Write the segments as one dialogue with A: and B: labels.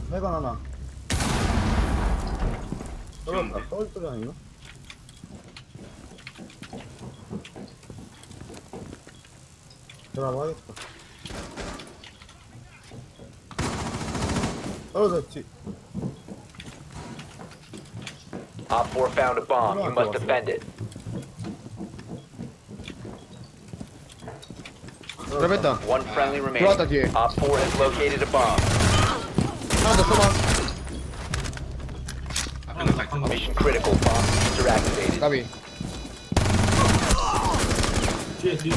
A: 해관 하나. 떨어졌다. 떨어질 아닌가? 드라마 하겠다. 떨어졌지.
B: Op 4 found a bomb. You must defend it.
C: 들어갔다.
B: One friendly
C: 들어왔다
B: remaining.
C: 뒤에.
B: Op 4 has located a bomb.
C: 하나 더 써봐.
B: Mission critical. Bomb diffuser activated.
C: 까비.
D: 뒤에 뒤에.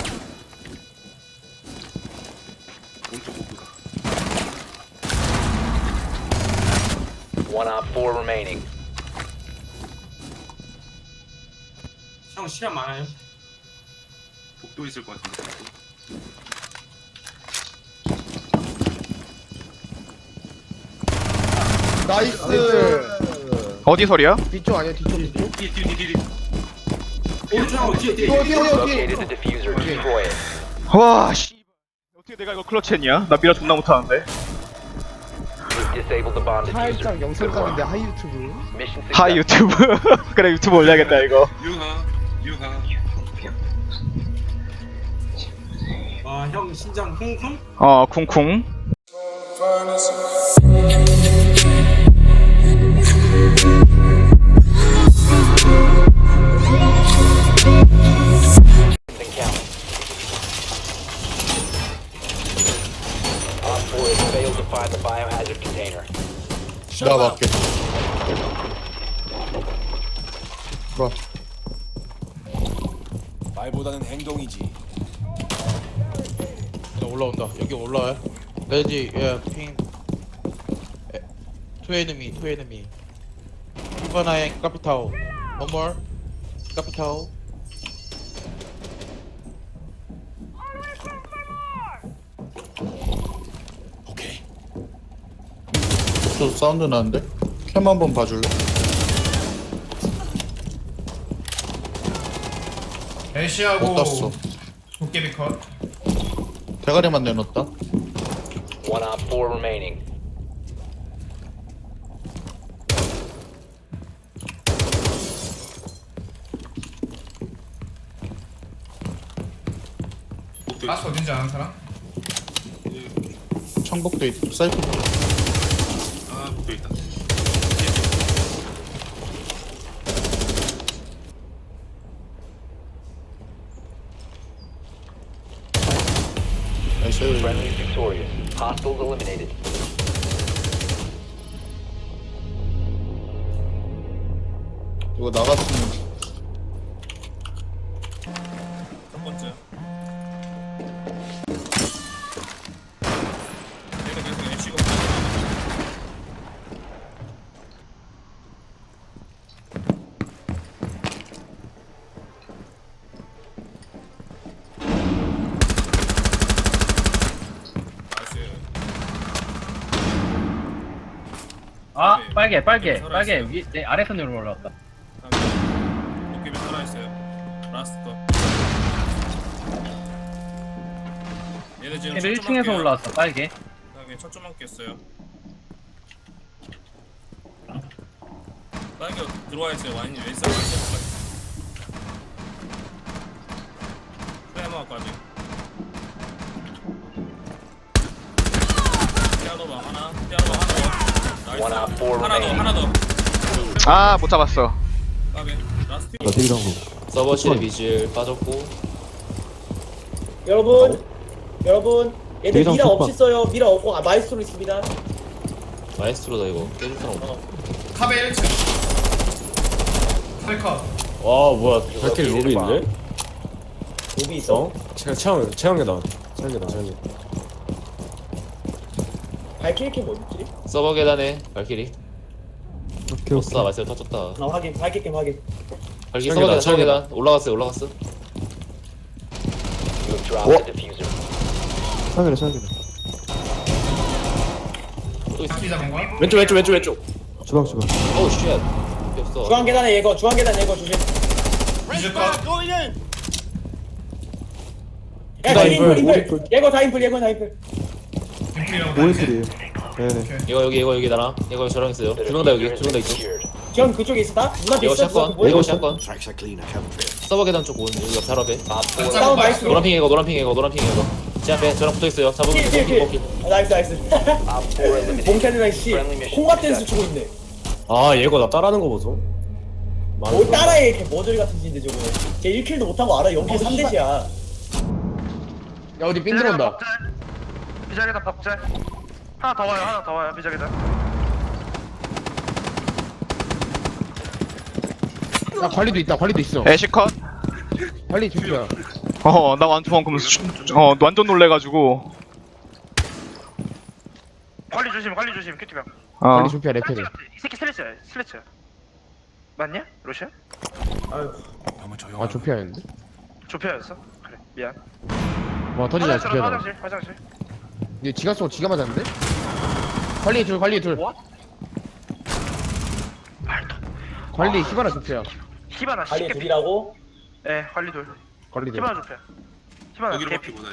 B: One Op 4 remaining.
D: 형 시간 많아요?
E: 복도 있을 것 같은데.
C: 나이스.
F: 어디 소리야?
C: 뒤쪽 아니야 뒤쪽 뒤쪽?
E: 뒤.
D: 오른쪽 뒤에 뒤에.
C: 뛰어 뛰어 뛰어
B: Located the
C: 뛰어.
B: diffuser. Destroy it.
F: 와 씨. 어떻게 내가 이거 클러치했냐? 나 미라 존나 못하는데.
B: You've disabled the bomb diffuser.
C: 살짝 영상
B: Good work.
C: 가는데 하이 유튜브.
B: Mission
F: 하이
B: success.
F: 유튜브. 그래 유튜브 올려야겠다 이거.
E: 유하.
D: 형 신장 쿵쿵?
F: 쿵쿵.
B: And count. Op 4 has failed to find the biohazard container.
C: 나 맞게. 뭐?
G: 말보다는 행동이지.
H: 자, 올라온다. 여기 올라와요. 레지, 예, 핑. 투 에니미. 이번에 카피타오. One more. 카피타오.
G: 오케이.
C: 저 사운드 나는데? 캠 한번 봐줄래?
I: 애쉬하고
C: 못 땄어.
I: 도깨비 컷.
C: 대가리만 내놓았다.
B: One Op 4 remaining.
E: 복도
I: 라스 어딘지 아는 사람?
C: 청복도 있고 사이트.
E: 복도 있다.
C: 나이스.
B: Friendly victorious. Hostiles eliminated.
C: 이거 나갔으면
E: 첫 번째. 얘가 계속 MC가
J: 아
E: 네.
J: 빨개
E: 살아있어요.
J: 위 내 아래선 으로 올라왔다.
E: 도깨비 살아있어요. 라스트 거. 얘네 지금
J: 1층에서 올라왔어 빨개.
E: 그다음에 첫 점만 깼어요. 빨개 들어와 있어요. 완전 왼쪽 왼쪽까지. 프레마까지. 피아노방 하나, 피아노방 하나 더.
B: One Op 4
E: 하나 더,
B: remaining.
E: 하나 더.
F: 아 못 잡았어.
E: 까비. 라스트.
G: 서버실 비질 빠졌고.
K: 여러분 얘들 미라 없었어요. 미라 없고 마이스트로 있습니다.
G: 마에스트로다 이거. 깨줄 사람 없나?
I: 카베 1층. 카베 컷.
G: 와 뭐야.
B: 발키리 로비 있네?
K: 로비 있어.
G: 최영계다.
K: 발키리키 뭐였지?
G: 서버 계단에 발키리. 오케이. 마이스터 터졌다.
K: 확인. 발키리키 확인.
G: 발키리 서버 계단. 최영계단. 올라갔어.
B: You have dropped the diffuser.
G: 또 있어.
I: 바퀴 잡은 거야?
G: 왼쪽. 오우 쉣. 없어.
K: 중앙 계단에 예거 조심.
I: 미즈 컷.
K: 야, 인풀. 예거 다 인풀.
I: 인플이라고 다니지.
G: 이거 여기 나랑 이거 저랑 있어요. 두 명 다 여기, 두 명 다 있죠.
K: 형 그쪽에 있었다? 누나한테
G: 이거
K: 있어?
G: 샷건,
K: 뭐야?
G: 이거 샷건. 서버 계단 쪽 온, 여기 옆에 앞에.
K: 싸움 나이스.
G: 노란 핑 이거, 노란 핑 이거, 노란 핑 이거. 제 앞에 저랑 붙어 있어요. 잡으면 먹기.
K: 나이스.
B: Op 4 eliminated.
K: 봉캐이랑 씨 콩밥 댄스 추고 있네.
A: 아 얘가 나 따라하는 거 보소.
K: 뭘 따라해 이렇게 머저리 같은 짓인데 저거. 걔 1킬도 못하고 알아. 연필 3대시야.
H: 야 어디 삥 들어온다.
F: 비자계단 박자. 하나 더 와요. 비자계단.
H: 야 관리도 있다. 관리도 있어.
F: 애쉬컷.
H: 관리 준비야.
F: 나 완전 방금 완전 놀래가지고. 관리 조심, 큐티병.
H: 관리 준비야 레펠이.
F: 이 새끼 슬래치야. 맞냐? 로시아?
H: 아 조피아였는데?
F: 조피아였어? 그래, 미안.
H: 와 터지자 조피아다.
F: 화장실.
H: 얘 지가 쏘고 지가 맞았는데? 관리 둘. 관리 히바나 조피아.
F: 히바나
K: 관리 둘이라고?
F: 예, 관리 둘.
H: 관리 둘.
F: 히바나 조피아. 히바나 개피.
B: Op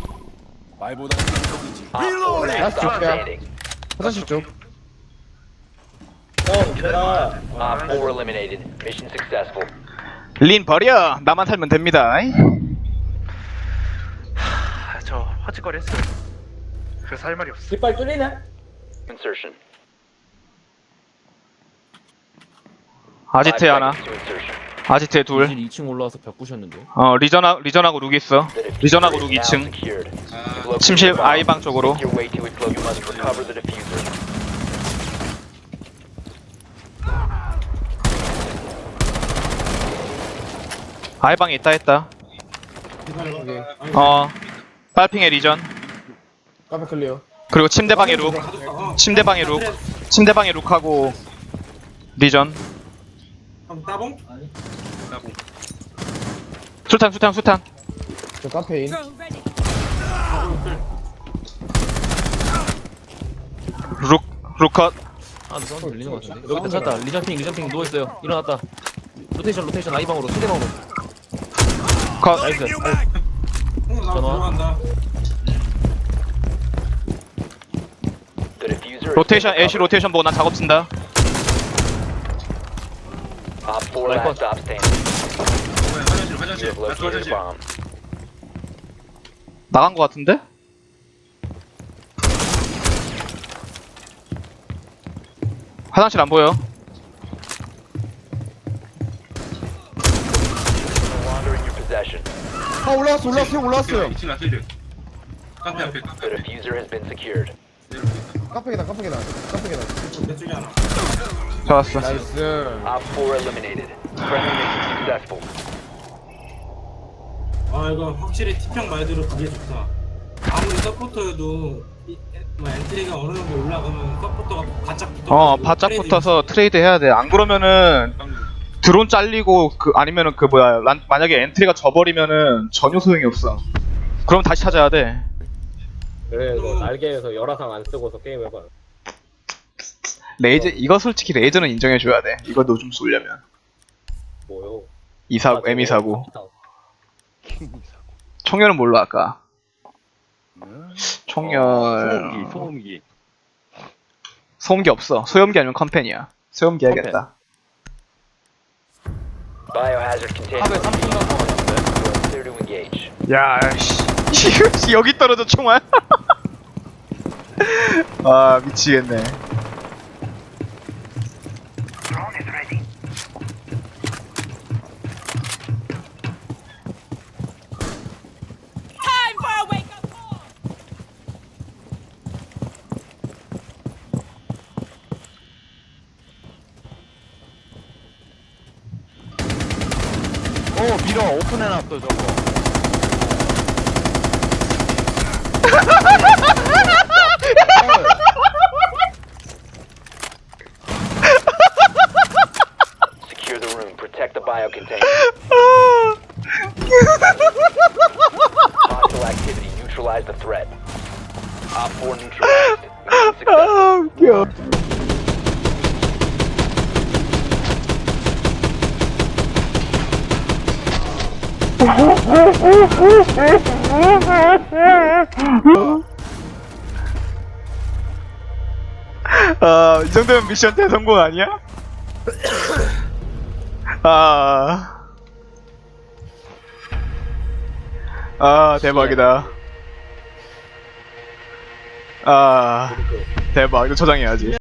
B: 4 last
H: Last
B: stop
H: job, yeah.
B: standing.
H: 화장실 쪽.
K: 형 내가
B: Op 4 eliminated. Mission successful.
F: 린 버려. 나만 살면 됩니다. 저 헛짓거리 했어요. 그래서 할 말이 없어.
K: 깃발 뚫리네?
B: Insertion.
F: 아지트에
B: 5
F: 하나.
B: seconds to insertion.
F: 아지트에 둘.
G: 2층 올라와서 벽 부셨는데.
F: 리전하고 룩 있어.
B: The diffuser
F: 리전하고
B: is
F: 룩
B: now
F: 2층.
B: secured. You've located
F: 침실
B: the bomb.
F: 아이방 쪽으로.
B: Make your way to it. You must recover the diffuser.
F: 아이방에 있다 했다. 빨핑의 리전.
H: 카페 클리어.
F: 그리고 침대방의 룩. 침대방의 룩하고 리전.
D: 형 따봉?
F: 수탄.
H: 저 카페인.
F: 룩컷.
G: 아, 너 사운드 들리는 것 같은데. 여기 있다, 찾았다. 리전핑 누워있어요. 일어났다. 로테이션 아이방으로, 상대방으로.
F: 컷.
G: 나이스.
D: 형 나 들어간다.
B: The diffuser is
F: 로테이션 애쉬 로테이션 보고 난 작업 쓴다.
B: Op 4 last stop standing. You have located a bomb.
F: 나간 거 같은데? 화장실 안 보여.
B: No longer in your possession.
H: 아 올라왔어요.
B: The diffuser has been secured.
H: 카페 계단.
D: 내 쪽에 하나.
F: 잡았어.
H: 나이스.
B: Op 4 eliminated. Friendly mission successful.
D: 아 이거 확실히 티평 말대로 그게 좋다. 아무리 서포터여도 엔트리가 어느 정도 올라가면 서포터가 바짝 붙어.
F: 바짝 붙어서 트레이드 해야 돼. 안 그러면은 드론 잘리고 아니면은 만약에 엔트리가 져버리면은 전혀 소용이 없어. 그럼 다시 찾아야 돼.
A: 그래 너 날개에서 열화상 안 쓰고서 게임 해봐.
F: 이거 솔직히 레이저는 인정해줘야 돼. 이거 너 좀 쏘려면.
A: 뭐요?
F: M249. 총열은 뭘로 할까? 총열. 소음기 없어. 소염기 아니면 컴팬이야. 소염기 해야겠다.
B: Biohazard container. Clear to engage.
F: 야, 씨. 여기 떨어져 총알. 아, 미치겠네.
H: 밀어 오픈해놨어 저거.
B: Secure the room. Protect the bio container. Hostile activity. Neutralize the threat. Op 4 neutralized. Mission successful.
F: 이 정도면 미션 대성공 아니야? 대박이다. 대박. 이거 저장해야지.